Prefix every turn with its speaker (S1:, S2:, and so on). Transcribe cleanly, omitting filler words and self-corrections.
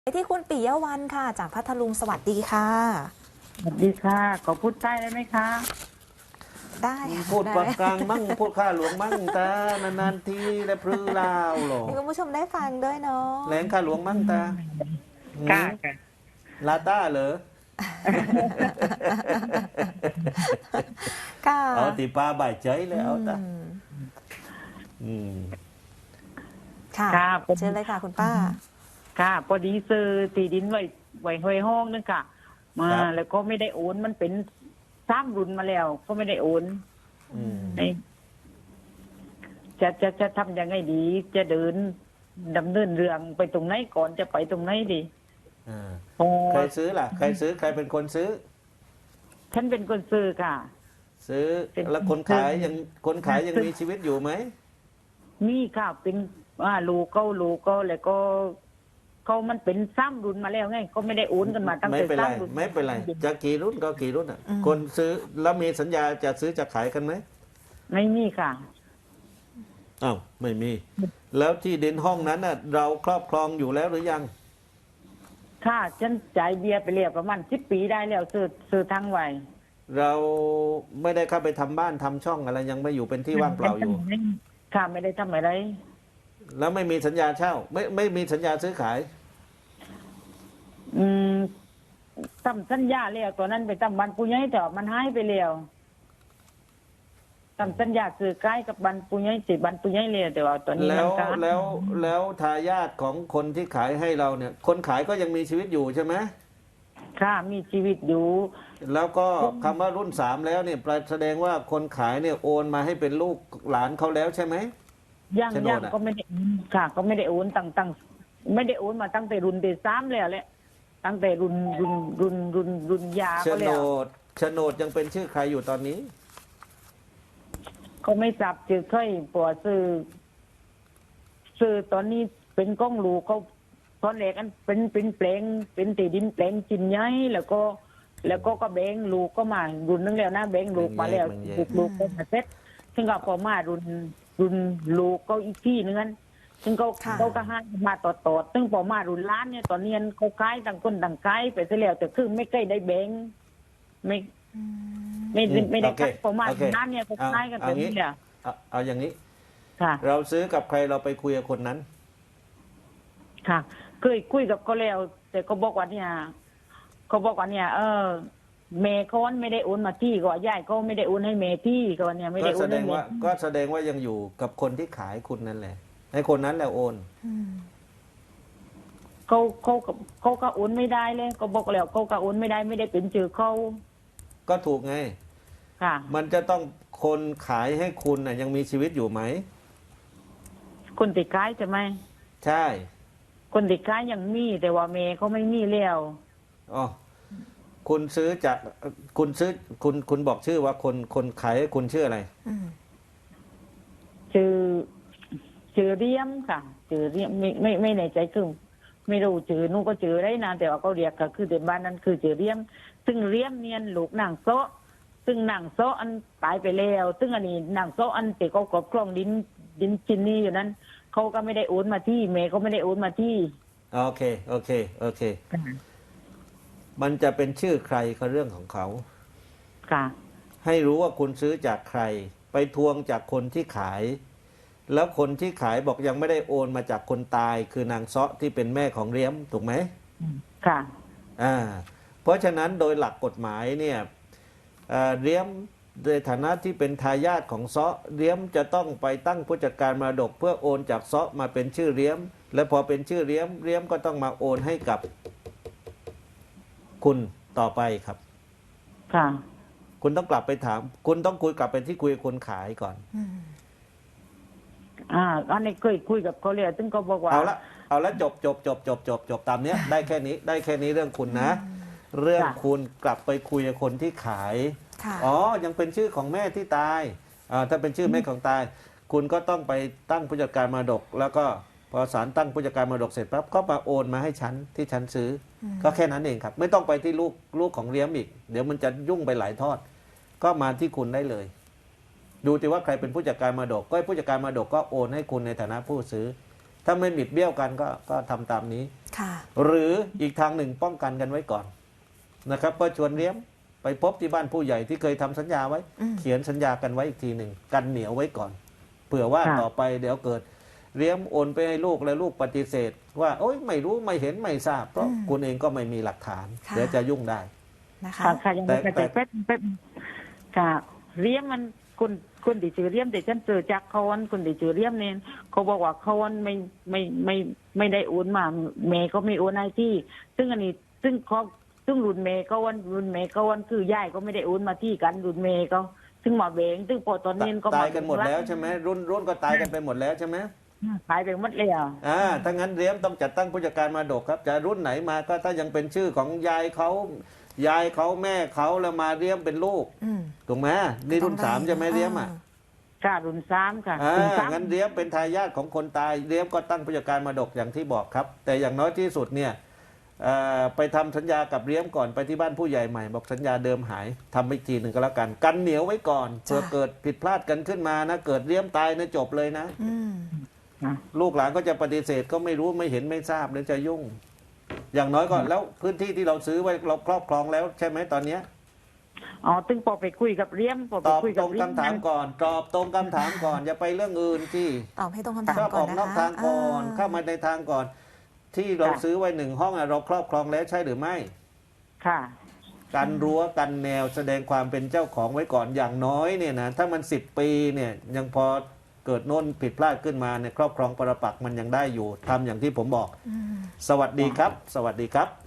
S1: ไปที่คุณปิยวรรณค่ะจากพัทลุงสวัสดีค่ะ
S2: สวัสดีค่ะขอพูดใต้ได้ไหมคะ
S1: ได้ค่ะ
S3: พูด
S1: ได้
S3: กลางมั่งพูดข้าหลวงมั่งตานานๆทีและพรือลาวหรอ
S1: มีคุณผู้ชมได้ฟังด้วยเนาะ
S3: แหลงข้าหลวงมั่งตาหื
S2: ค่ะ
S3: ม
S2: ค่ะ
S3: ลาต้าเหรอ
S1: ค่ะ
S3: เอาตีปลาบ่ายใจเลยเอาตา
S1: อืม
S3: อืม
S1: ค่ะ
S2: ค่ะผม
S1: เชิญเลยค่ะคุณป้า
S2: ค่ะพอดีซื้อที่ดินไว้ห้อยห้องนึงค่ะมา
S3: ครับ
S2: แล้วก็ไม่ได้โอนมันเป็นสามรุ่นมาแล้ว ก็ไม่ได้โอน
S3: อืม
S2: ไอ้จะทำยังไงดี จะเดินดำเนินเรื่องไปตรงไหนก่อนจะไปตรงไหนดี
S3: อ่า
S2: โอ้
S3: ใครซื้อล่ะ ใครซื้อใครเป็นคนซื้อ
S2: ฉันเป็นคนซื้อค่ะ
S3: ซื้อแล้วคนขายยังมีชีวิตอยู่ไหม
S2: นี่ค่ะเป็นลูกก็แล้วก็เขามันเป็นซ้ำรุ่นมาแล้วไงก็ไม่ได้โอนกันมาตั้ง
S3: ไม่
S2: แต่
S3: เป็นไร
S2: ซ้ำรุ่น
S3: ไม่เป็นไรจะกี่รุ่นก็กี่รุ่นอ่ะ คนซื้อแล้วมีสัญญาจะซื้อจะขายกันไหม
S2: ไม่มีค่ะ
S3: อ้าวไม่มี แล้วที่ดินห้องนั้นน่ะเราครอบครองอยู่แล้วหรือยัง
S2: ค่ะฉันจ่ายเบียร์ไปเรียบประมาณ10 ปีได้แล้วซื้อทั้งไว้
S3: เราไม่ได้เข้าไปทำบ้านทำช่องอะไรยังไม่อยู่เป็นที่ว่างเปล่าอยู่
S2: ค่ะไม่ได้ทำอะไร
S3: แล้วไม่มีสัญญาเช่า ไม่มีสัญญาซื้อขาย
S2: อืมทำสัญญาแล้วตัวนั้นไปทำบันปุญญ์แต่ว่ามันหายไปแล้วทำสัญญาซื้อใกล้กับบันปุญญ์สิบันปุญญ์เลยแต่ว่าตอนนี้
S3: แล้
S2: มัน
S3: ว
S2: ก็
S3: แล้วทายาทของคนที่ขายให้เราเนี่ย คนขายก็ยังมีชีวิตอยู่ใช่ไหม
S2: ค่ะมีชีวิตอยู่
S3: แล้วก็คำว่ารุ่นสามแล้วเนี่ยแสดงว่าคนขายเนี่ยโอนมาให้เป็นลูกหลานเขาแล้วใช่ไหม
S2: ย่าง
S3: โฉนด
S2: ย่าง
S3: อะ
S2: ก็ไม่ได้ค่ะ ก็ไม่ได้โอนตั้งไม่ได้โอนมาตั้งแต่รุ่นที่3แล้วแหละตั้งแต่รุ่นยา
S3: โฉ
S2: ก็
S3: น
S2: แล้ว
S3: ดยังเป็นชื่อใครอยู่ตอนนี้
S2: เขาไม่จับจือค่อยปวดซื้อตอนนี้เป็นก้องหลูเขาตอนแรกอันเป็นแปลงเป็นตีดินแปลงจินใหญ่แล้วก็แบงลูกก็มารุ่นนึงแล้วนะแบงลูกมาแล้ว
S3: มันแยก
S2: ลูกก็มาเซ็ตซึ่งก็พอมารุ่นลูกก็อีกที่นึงนั้นซึ่งเขาก็ให้มาต่อซึ่งพอมารุ่นล้านเนี่ยตอนนี้เขาขายต่างคนต่างขายไปเสียแล้วแต่คือไม่ใกล้ได้แบงไม่ ไม่ได้
S3: โอเค
S2: คัดประมาณ
S3: โอเค
S2: นั้นเนี่ยเขาคล้ายกันแบบนี้เนี่ย
S3: เอาอย่างนี้
S2: ค่ะ
S3: เราซื้อกับใครเราไปคุยกับคนนั้น
S2: ค่ะเคยคุยกับเขาแล้วแต่เขาบอกว่าเนี่ยเมย์เขาไม่ได้โอนมาที่ก็ย่ายเขาไม่ได้โอนให้เมย์ที่ก็เนี่ยไม่
S3: ก็
S2: ได้โอ
S3: แส
S2: น
S3: ด
S2: ให้
S3: ง
S2: เม
S3: ว่า
S2: ย์
S3: ก็แสดงว่ายังอยู่กับคนที่ขายคุณนั่นแหละให้คนนั้นแหละโอน
S1: อืม
S2: เขาก็โอนไม่ได้เลยเขาบอกแล้วเขาก็โอนไม่ได้ไม่ได้เป็นชื่อเขา
S3: ก็ถูกไง
S2: ค่ะ
S3: มันจะต้องคนขายให้คุณน่ะยังมีชีวิตอยู่ไหม
S2: คนติดค้ายใช่ไหม
S3: ใช่
S2: คนติดค้ายยังมีแต่ว่าเมย์เขาไม่มีแล้ว
S3: อ๋อคุณซื้อจากคุณซื้อคุณบอกชื่อว่าคนขายให้คุณชื่ออะไร
S1: อืม
S2: ชื่อเรียมค่ะชื่อเรียมไม่ในใจคือไม่รู้ชื่อนู้นก็ชื่อได้นะแต่ว่าเขาเรียกก็คือในบ้านนั้นคือชื่อเรียม ซึ่งเรียมเนียนลูกนางโซะซึ่งนางโซะอันตายไปแล้วซึ่งอันนี้นางโซะอันแต่เขาครอบครองดินจินนี่อยู่นั้นเขาก็ไม่ได้โอนมาที่เมย์เขาไม่ได้โอนมาที่
S3: โอเค มันจะเป็นชื่อใครก็เรื่องของเขา
S2: ค่ะ
S3: ให้รู้ว่าคุณซื้อจากใคร ไปทวงจากคนที่ขาย แล้วคนที่ขายบอกยังไม่ได้โอนมาจากคนตาย คือนางเซาะที่เป็นแม่ของเลี้ยมถูกไหม
S2: ค่ะ
S3: เพราะฉะนั้นโดยหลักกฎหมายเนี่ยเลี้ยมในฐานะที่เป็นทายาทของเซาะเลี้ยมจะต้องไปตั้งผู้จัดการมรดกเพื่อโอนจากเซาะมาเป็นชื่อเลี้ยม และพอเป็นชื่อเลี้ยมก็ต้องมาโอนให้กับคุณต่อไปครับ
S2: ค่ะ
S3: คุณต้องกลับไปถาม คุณต้องคุยกลับไปที่คุยกับคนขายก่อน
S1: อืม
S2: อันนี้เคยคุยกับเขาเลยซึ่งเขาบอกว่า
S3: เอาละจบตามเนี้ย ได้แค่นี้เรื่องคุณนะ เรื่องคุณกลับไปคุยกับคนที่ขาย
S1: ค่ะ
S3: อ๋อ ยังเป็นชื่อของแม่ที่ตายถ้าเป็นชื่อแม่ของตาย คุณก็ต้องไปตั้งผู้จัดการมรดก แล้วก็พอศาลตั้งผู้จัดการมรดกเสร็จปั๊บก็มาโอนมาให้ฉันที่ฉันซื้ออก็แค่นั้นเองครับ ไม่ต้องไปที่ลูกของเลี้ยมอีก เดี๋ยวมันจะยุ่งไปหลายทอด ก็มาที่คุณได้เลย ดูติว่าใครเป็นผู้จัดการมรดก ก็ให้ผู้จัดการมรดกก็โอนให้คุณในฐานะผู้ซื้อถ้าไม่บิดเบี้ยวกันก็ทำตามนี้
S1: ค่ะ
S3: หรืออีกทางหนึ่งป้องกันกันไว้ก่อนนะครับก็ชวนเลี้ยมไปพบที่บ้านผู้ใหญ่ที่เคยทำสัญญาไว้
S1: อืม
S3: เขียนสัญญากันไว้อีกทีหนึ่งกันเหนียวไว้ก่อนเผื่อว่า
S2: ค่ะ
S3: ต่อไปเดี๋ยวเกิดเลี้ยมโอนไปให้ลูกแล้วลูกปฏิเสธ ว่าโอ๊ยไม่รู้ไม่เห็นไม่ทราบเพราะคุณเองก็ไม่มีหลักฐาน
S1: ค่ะ
S3: เดี๋ยวจะยุ่งได้
S1: นะคะ
S2: ค่ะค่ะยังไม่
S3: แต่
S2: แต่เป็นค่ะเรียมมันคนที่ชื่อเรียมแต่ฉันเจอจากเขาวันคนที่ชื่อเรียมเนี่ยเขาบอกว่าเขาวันไม่ได้โอนมาเมย์ก็ไม่โอนให้ที่ ซึ่งอันนี้ซึ่งรุ่นเมย์ก็วันคือยายก็ไม่ได้โอนมาที่กันรุ่นเมย์ก็ซึ่งมาเวงซึ่งพอตอนนี้ก็
S3: ตายกันหมดแล้วใช่ไหมรุ่นก็ตายกันไปหมดแล้วใช่ไหม
S2: หายไปหมดเลยอ่ะ
S3: ถ้างั้นเลี้ยมต้องจัดตั้งผู้จัดการมรดกครับจะรุ่นไหนมาก็ถ้ายังเป็นชื่อของยายเขาแม่เขาแล้วมาเลี้ยมเป็นลูก
S1: อืม
S3: ถูกไหมนี่รุ่นสามใช่ไหมเลี้ยมอ่ะ
S2: ค่ะรุ่นสามค่ะรุ่นสาม
S3: งั้นเลี้ยมเป็นทายาทของคนตายเลี้ยมก็ตั้งผู้จัดการมรดกอย่างที่บอกครับ แต่อย่างน้อยที่สุดเนี่ยไปทำสัญญากับเลี้ยมก่อนไปที่บ้านผู้ใหญ่ใหม่บอกสัญญาเดิมหายทำไปทีหนึ่งก็แล้วกันกันเหนียวไว้ก่อนเผื่อเกิดผิดพลาดกันขึ้นมานะเกิดเลี้ยมตายนะจบเลยนะ
S1: อืม
S3: ลูกหลานก็จะปฏิเสธก็ไม่รู้ไม่เห็นไม่ทราบหรือจะยุ่ง อย่างน้อยก็แล้วพื้นที่ที่เราซื้อไว้เราครอบครองแล้วใช่ไหมตอนเนี้ย
S2: อ๋อตึงพอไปคุยกับเรียมพอ
S3: ต
S2: ไป
S3: อบ
S2: คุย
S3: ต
S2: กั
S3: ร
S2: บ
S3: ง
S2: เรียม
S3: คำถามก่อนตอบตรงคำถามก่อนอย่าไปเรื่องอื่นที่
S1: ตอบให้ตรงคำถาม
S3: ชอบ
S1: ก่
S3: อ
S1: อ
S3: อน ก
S1: นะ
S3: นอก
S1: คะ
S3: ทางก่อนเข้ามาในทางก่อน ที่เราซื้อไว้1 ห้องเราครอบครองแล้วใช่หรือไม่
S2: ค่ะ
S3: กันรั้วกันแนวแสดงความเป็นเจ้าของไว้ก่อนอย่างน้อยเนี่ยนะถ้ามัน10 ปีเนี่ยยังพอเกิดโน่นผิดพลาดขึ้นมาเนี่ยครอบครองปรปักษ์มันยังได้อยู่ทำอย่างที่ผมบอก
S1: อืม
S3: สวัสดีครับ สวัสดีครับ